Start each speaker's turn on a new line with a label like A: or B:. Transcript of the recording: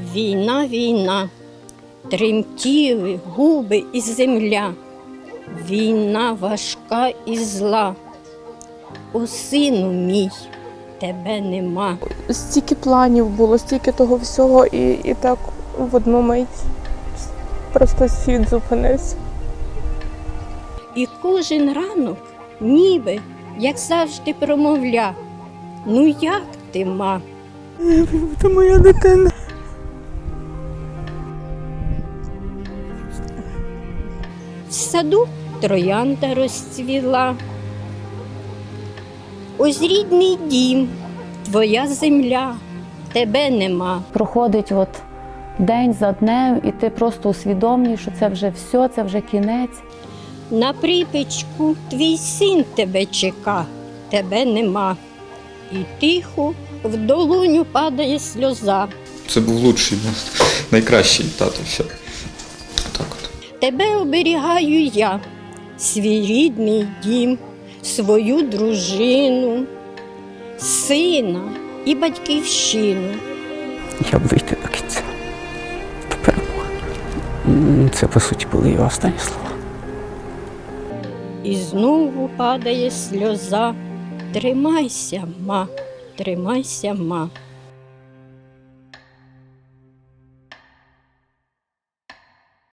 A: Війна, війна, тремтіли губи і земля. Війна важка і зла. О, сину мій, тебе нема.
B: Стільки планів було, стільки того всього, і так в одну мить просто світ зупинився.
A: І кожен ранок, ніби, як завжди, промовля: ну як ти, ма?
B: Це моя дитина.
A: В саду троянда розцвіла. Ось рідний дім, твоя земля, тебе нема.
C: Проходить день за днем, і ти просто усвідомлюєш, що це вже все, це вже кінець.
A: На припічку твій син тебе чека, тебе нема. І тихо в долоню падає сльоза.
D: Це був лучший, найкращий тато. Все. Так от.
A: Тебе оберігаю я, свій рідний дім, свою дружину, сина і батьківщину.
E: Я б вийти до кінця. До перемоги. Це, по суті, були його останні слова.
A: І знову падає сльоза. Тримайся, ма, тримайся, ма.